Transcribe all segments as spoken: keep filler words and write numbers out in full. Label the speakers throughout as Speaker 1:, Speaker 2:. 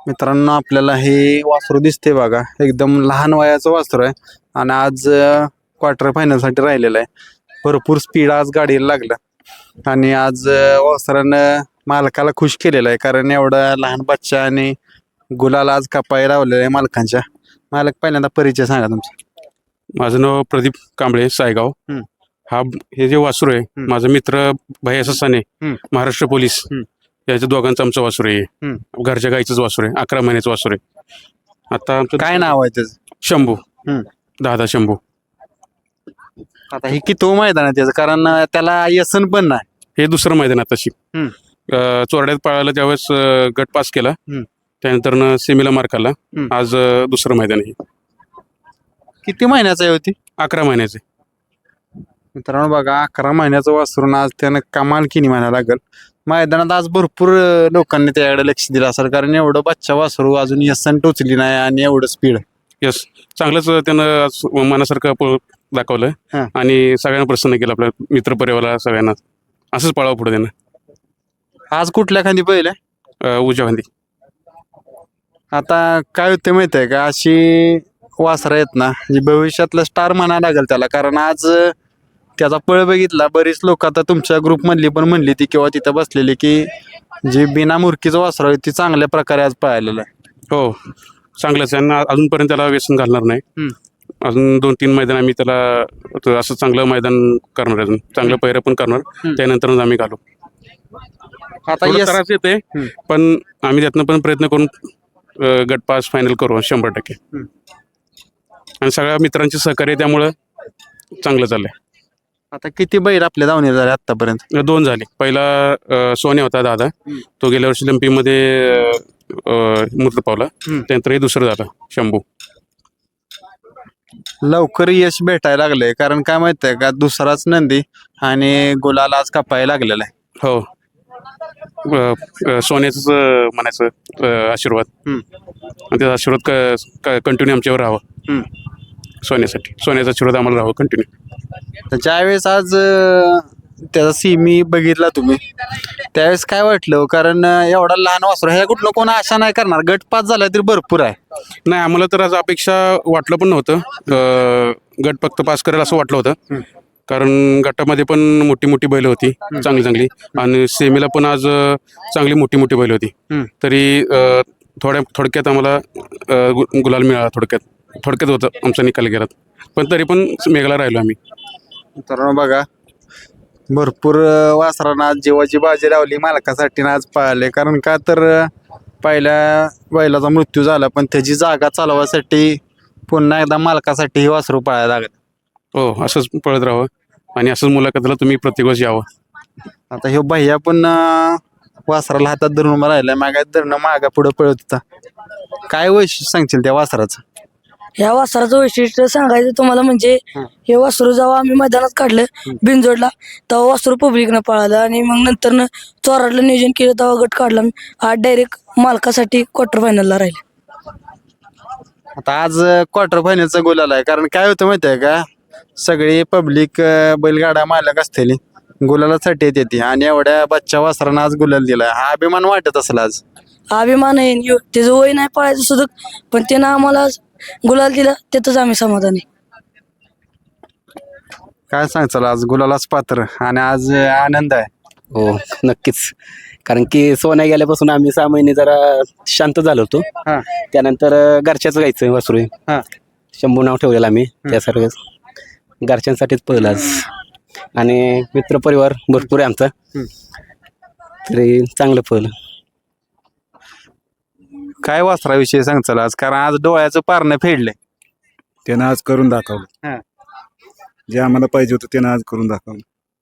Speaker 1: मित्रांनो आपल्याला हे वासरू दिसते बघा, एकदम लहान वयाचं वासरू आहे आणि आज क्वार्टर फायनल साठी राहिलेलं आहे. भरपूर स्पीड आज गाडीला लागलं आणि आज अं, वासरानं मालकाला खुश केलेलं आहे, कारण एवढा लहान बच्चा आणि गुलाला आज कपाई लावलेला आहे मालकांच्या. मालक पहिल्यांदा परिचय सांगा तुमचा.
Speaker 2: माझं नाव प्रदीप कांबळे सायगाव.
Speaker 1: हम्म.
Speaker 2: हा हे जे वासरू आहे
Speaker 1: हम्म.
Speaker 2: माझा मित्र भैया ससाने
Speaker 1: हम्म.
Speaker 2: महाराष्ट्र पोलीस
Speaker 1: हम्म.
Speaker 2: याच्या दोघांचं आमचं वासरू आहे.
Speaker 1: हम्म.
Speaker 2: घरच्या गाईचंच वासरू आहे. अकरा महिन्याचं वासरू आहे. आता आमचं
Speaker 1: काय नाव आहे त्याचं?
Speaker 2: शंभू.
Speaker 1: हम्म.
Speaker 2: दादा शंभू.
Speaker 1: आता हे किती मैदान आहे त्याचं, कारण अं, त्याला व्यसन पण नाही.
Speaker 2: हे दुसरं मैदान आहे तशी.
Speaker 1: हम्म.
Speaker 2: अं, चोरड्यात पळायला त्यावेळेस अं, गट पास केला.
Speaker 1: हम्म.
Speaker 2: त्यानंतर सेमीला मार्क आला.
Speaker 1: हम्म.
Speaker 2: आज अं, दुसरं मैदान आहे.
Speaker 1: किती महिन्याचं आहे होती?
Speaker 2: अकरा महिन्याचे.
Speaker 1: मित्रांनो बघा, अकरा महिन्याचं वासरून आज त्यानं कमाल केली म्हणायला लागल. मैदानात आज भरपूर अं, लोकांनी त्याकडे लक्ष दिलं असेल, कारण एवढं बच्चा वासरू अजून यसन टोचली नाही आणि एवढं स्पीड.
Speaker 2: यस, चांगलंच त्यानं आज मनासारखं पळ दाखवलं
Speaker 1: हा.
Speaker 2: आणि सगळ्यांना प्रसन्न केलं, आपल्या मित्रपरिवाराला सगळ्यांना. असंच पळावं पुढे त्यानं.
Speaker 1: आज कुठल्या खांदी पहिले?
Speaker 2: अं, उजव्या खांदी.
Speaker 1: आता काय होते माहिती आहे का, अशी वासरं आहेत ना, जी भविष्यातलं स्टार म्हणायला लागेल त्याला. कारण आज अं, त्याचा पळ बघितला, बरीच लोक आता तुमच्या ग्रुपमधली पण म्हणली ती किंवा तिथं बसलेली की जी बिना मुरकीचं वासर आहे ती चांगल्या प्रकारे आज पळालेलं आहे.
Speaker 2: हो, चांगलंच आहे. आणि अजूनपर्यंत त्याला व्यसन घालणार नाही.
Speaker 1: हम्म.
Speaker 2: अजून दोन तीन मैदान आम्ही त्याला त- असं चांगलं मैदान करणार, अजून चांगलं पहिरं पण करणार.
Speaker 1: हम्म.
Speaker 2: त्यानंतरच आम्ही घालू.
Speaker 1: आता
Speaker 2: थोडं
Speaker 1: यस
Speaker 2: त्रास येते,
Speaker 1: हम्म.
Speaker 2: पण आम्ही त्यातनं पण प्रयत्न करून अं, गट पास फायनल करू शंभर टक्के.
Speaker 1: हम्म.
Speaker 2: आणि सगळ्या मित्रांचे सहकार्य आहे, त्यामुळं चांगलं चाललंय.
Speaker 1: आता किती बैल आपल्या धावणे झाले आतापर्यंत?
Speaker 2: दोन झाले. पहिला अं, सोन्या होता दादा,
Speaker 1: हम्म.
Speaker 2: तो गेल्या वर्षी लंपीमध्ये मृत पावला.
Speaker 1: हम्म.
Speaker 2: त्यानंतर हे दुसरं झालं शंभू.
Speaker 1: लवकर यश भेटायला लागलंय, कारण काय माहिती आहे का, दुसराच नंदी आणि गुलाल आज कापायला लागलेला आहे.
Speaker 2: हो, अं, अं, सोन्याचंच अं, म्हणायचं अं, आशीर्वाद.
Speaker 1: हम्म.
Speaker 2: आणि त्याचा आशीर्वाद कंटिन्यू आमच्यावर राहावा.
Speaker 1: हम्म.
Speaker 2: सोन्यासाठी सोन्याचा आशीर्वाद आम्हाला राहावा कंटिन्यू.
Speaker 1: तर ज्यावेळेस आज अं, त्याचा सीमी बघितला तुम्ही, त्यावेळेस काय वाटलं? कारण अं, एवढा लहान वासरू ह्या कुठलं कोण आशा नाही करणार, गट पास झाला तरी भरपूर आहे.
Speaker 2: नाही, आम्हाला तर आज अपेक्षा वाटलं पण नव्हतं. अं, गट फक्त पास करेल असं वाटलं होतं.
Speaker 1: हम्म.
Speaker 2: कारण गटामध्ये पण मोठी मोठी बैल होती, चांगली चांगली. आणि सेमीला पण आज अं, चांगली मोठी मोठी बैल होती.
Speaker 1: हम्म.
Speaker 2: तरी अं, थोड्या थोडक्यात आम्हाला अं, गु- गुलाल मिळाला. थोडक्यात थोडक्यात होतं आमचा निकाल गेला, पण तरी पण मेघाला राहिलो आम्ही.
Speaker 1: तर बघा, भरपूर अं, वासरांना आज जीवाची बाजी लावली मालकासाठी आणि आज पळाले. कारण का तर अं, पहिल्या बैलाचा मृत्यू झाला, पण त्याची जागा चालवायसाठी पुन्हा एकदा मालकासाठी ही वासरू पळायला लागत.
Speaker 2: हो, असंच पळत राहावं आणि असंच मुलाखतीला तुम्ही प्रत्येक वेळेस यावं.
Speaker 1: आता हे भैया पण अं, वासराला हातात धरून उभा राहिलाय, मागा धरणं मागा पुढे पळत होता. काय वैशिष्ट्य सांगशील त्या वासराचं?
Speaker 3: ह्या वासराचं वैशिष्ट्य सांगायचं तुम्हाला म्हणजे
Speaker 1: हं.
Speaker 3: हे वासरू जेव्हा आम्ही मैदानात काढलं बिनजोडला, तेव्हा वासरू पब्लिकनं पळालं आणि मग नंतर चोराडलं नियोजन केलं, तेव्हा गट काढला. आज डायरेक्ट मालकासाठी क्वार्टर फायनलला राहिले.
Speaker 1: आता आज क्वार्टर फायनलचा गोल आलाय, कारण काय होतं माहिती आहे का, सगळी पब्लिक बैलगाडा मालक असलेली गुलालासाठी येते ती, आणि एवढ्या बच्चा वासरानं आज गुलाल दिलाय. हा अभिमान वाटत असेल आज?
Speaker 3: अभिमान आहे. यो- त्याचं वय नाही पळायचं सुद्धा, पण त्यानं आम्हाला गुलाल दिला, त्यातच आम्ही समाधानी.
Speaker 1: काय सांगचाल, आज गुलालाच पात्र आणि आज आनंद आहे?
Speaker 4: हो, नक्कीच. कारण की सोन्या गेल्यापासून आम्ही सहा महिने जरा शांत झालो होतो.
Speaker 1: हा.
Speaker 4: त्यानंतर अं, घरच्याच गायचं वासरू आहे.
Speaker 1: हा.
Speaker 4: शंभू नाव ठेवलेलं आम्ही त्यासारखं घरच्यांसाठीच पहिलं आज. आणि मित्रपरिवार भरपूर आहे आमचा,
Speaker 1: हम्म.
Speaker 4: तरी चांगलं पहिलं.
Speaker 1: काय वासराविषयी सांगचाल आज, कारण आज डोळ्याचं पारणं फेडलंय.
Speaker 5: त्यानं आज करून दाखवलं.
Speaker 1: हा.
Speaker 5: जे आम्हाला पाहिजे होतं त्यानं आज करून दाखवलं.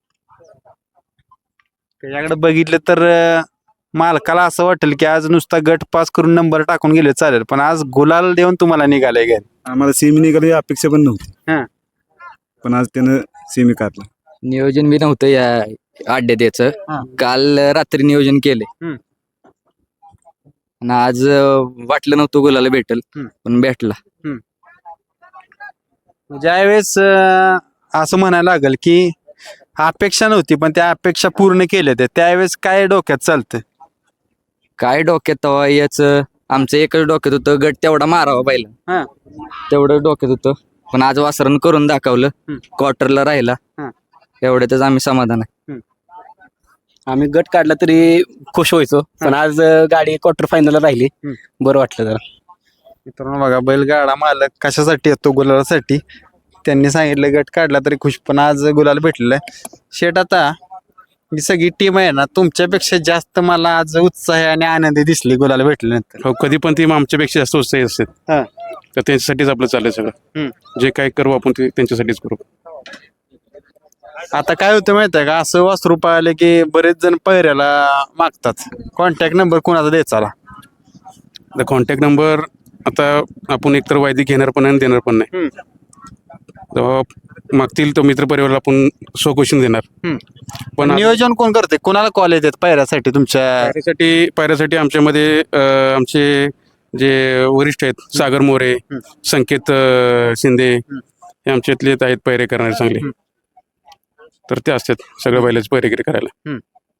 Speaker 1: त्याच्याकडे बघितलं तर अं, मालकाला असं वाटेल की आज नुसता गट पास करून नंबर टाकून गेले चालेल, पण आज गुलाल देऊन तुम्हाला निघाले घ्या.
Speaker 5: आम्हाला सेमी निघाली अपेक्षा पण नव्हती,
Speaker 1: हा.
Speaker 5: पण आज त्यानं सेमी काढला.
Speaker 6: नियोजन बी नव्हतं या अड्ड्यात याचं.
Speaker 1: हा.
Speaker 6: काल रात्री नियोजन केले
Speaker 1: हम्म.
Speaker 6: आणि आज अं, वाटलं नव्हतं गुलाला भेटल,
Speaker 1: हम्म.
Speaker 6: पण भेटला.
Speaker 1: ज्यावेळेस अं, असं म्हणायला लागेल की अपेक्षा नव्हती, पण त्या अपेक्षा पूर्ण केल्या त्या, त्यावेळेस काय डोक्यात चालतं?
Speaker 6: काय डोक्यात तेव्हा याच आमचं एकच डोक्यात होतं गट तेवढा मारावा पाहिला
Speaker 1: हा
Speaker 6: तेवढं डोक्यात होतं पण आज वासरण करून दाखवलं क्वार्टरला राहिला
Speaker 1: हा.
Speaker 6: एवढ्यातच आम्ही समाधान आहे.
Speaker 4: आम्ही गट काढला तरी खुश व्हायचो पण आज अं, गाडी क्वार्टर फायनलला राहिली
Speaker 1: हम्म.
Speaker 4: बरं वाटलं जरा.
Speaker 1: मित्रांनो बघा बैलगाडा मालक कशासाठी येतो गुलालासाठी. त्यांनी सांगितलं गट काढला तरी खुश पण आज गुलाल भेटलेला आहे. शेट आता ही सगळी टीम आहे ना तुमच्यापेक्षा जास्त मला आज उत्साह आणि आनंदी दिसली गुलाल भेटल्यानंतर.
Speaker 2: हो कधी पण ती आमच्यापेक्षा जास्त उत्साही असतात
Speaker 1: हा.
Speaker 2: तर त्यांच्यासाठीच आपलं चाललंय सगळं.
Speaker 1: हम्म.
Speaker 2: जे काय करू आपण ते त्यांच्यासाठीच करू.
Speaker 1: आता काय होतं माहिती आहे का असं वासरू पाहिले की बरेच जण पहिऱ्याला मागतात. कॉन्टॅक्ट नंबर कोणाचा द्यायचा
Speaker 2: आता कॉन्टॅक्ट नंबर आता आपण एकतर वायदी घेणार पण नाही आणि देणार पण नाही. तेव्हा मागतील तो मित्र परिवाराला आपण सो क्वेश्चन देणार. पण आता
Speaker 1: नियोजन कोण करते कोणाला कॉल येतात पहिऱ्यासाठी तुमच्या.
Speaker 2: पायऱ्यासाठी पायऱ्यासाठी आमच्यामध्ये अं, आमचे जे वरिष्ठ आहेत सागर मोरे संकेत अं, शिंदे हे आमच्यातले आहेत पैरे करणारे चांगले. तर ते असतात सगळं बैलाची पैरेगिरी करायला.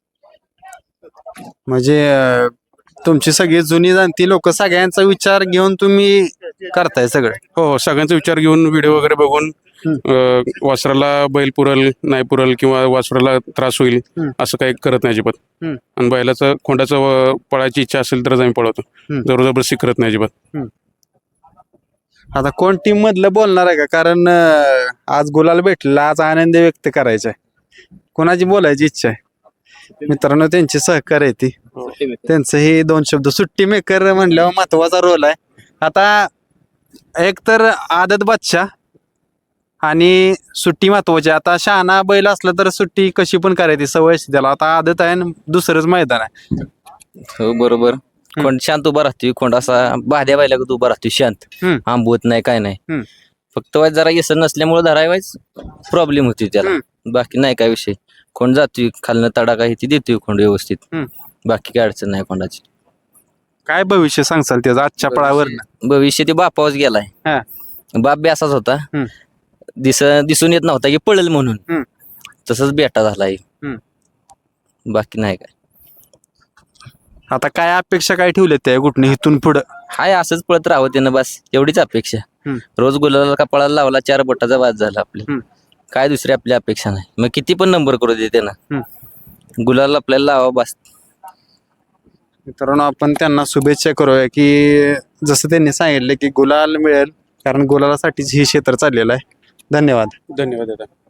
Speaker 1: म्हणजे अं, तुमची सगळी जुनी जाणती लोक सगळ्यांचा विचार घेऊन तुम्ही करताय सगळं.
Speaker 2: हो हो सगळ्यांचा विचार घेऊन व्हिडिओ वगैरे बघून अं, वासराला बैल पुरल नाही पुरल किंवा वासराला त्रास होईल असं काही करत नाही अजिबात.
Speaker 1: हम्म.
Speaker 2: आणि बैलाचं खोंडाचं व- पळायची इच्छा असेल तरच आम्ही पळवतो.
Speaker 1: हम्म.
Speaker 2: जबरदस्ती करत नाही अजिबात.
Speaker 1: आता कोण टीम मधलं बोलणार आहे का कारण अं, आज गुलाल भेटला आज आनंद व्यक्त करायचा आहे. कोणाची बोलायची इच्छा आहे मित्रांनो त्यांची सहकार्य आहे ती. त्यांचं हे दोन शब्द सुट्टी मेकर म्हणल्यावर महत्वाचा रोल आहे. आता एक तर आदत बादशाह आणि सुट्टी महत्वाची. आता शहाणा बैल असला तर सुट्टी कशी पण करायची सवय असते त्याला. आता आदत आहे आणि दुसरंच मैदान आहे.
Speaker 7: हो बरोबर. कोण शांत उभा राहतोय कोण असा बाध्या बायला उभा राहतोय शांत
Speaker 1: हम्म.
Speaker 7: आंबवत नाही काय नाही.
Speaker 1: हम्म.
Speaker 7: फक्त वाईज जरा येसन नसल्यामुळे धरायवायच प्रॉब्लेम होती त्याला. बाकी नाही काय विषय. कोण जातोय खालनं तडाखा ही ती देतोय कोण व्यवस्थित.
Speaker 1: हम्म.
Speaker 7: बाकी काय अडचण नाही कोणाची.
Speaker 1: काय भविष्य सांगसाल त्याचं आजच्या पळावर.
Speaker 7: भविष्य ते बापावच गेलाय.
Speaker 1: हा.
Speaker 7: बाप बी असाच होता.
Speaker 1: हम्म.
Speaker 7: दिस दिसून येत नव्हता की पळेल म्हणून.
Speaker 1: हम्म.
Speaker 7: तसंच बेटा झालाय.
Speaker 1: हम्म.
Speaker 7: बाकी नाही काय.
Speaker 1: आता काय अपेक्षा काय ठेवल्या त्या कुठनं इथून पुढं.
Speaker 7: हाय असंच पळत राहावं त्यानं बस एवढीच अपेक्षा.
Speaker 1: हम्म.
Speaker 7: रोज गुलाला का पळायला लावला चार बोटाचा वाद झाला आपल्या.
Speaker 1: हम्म.
Speaker 7: काय दुसरी आपली अपेक्षा नाही. मग किती पण नंबर करू दे त्यानं.
Speaker 1: हम्म.
Speaker 7: गुलाला आपल्याला लावा बस.
Speaker 1: मित्रांनो आपण त्यांना शुभेच्छा करूया की जसं त्यांनी सांगितलं की गुलाल मिळेल कारण गुलालासाठीच ही क्षेत्र चाललेलं आहे. धन्यवाद.
Speaker 2: धन्यवाद दादा.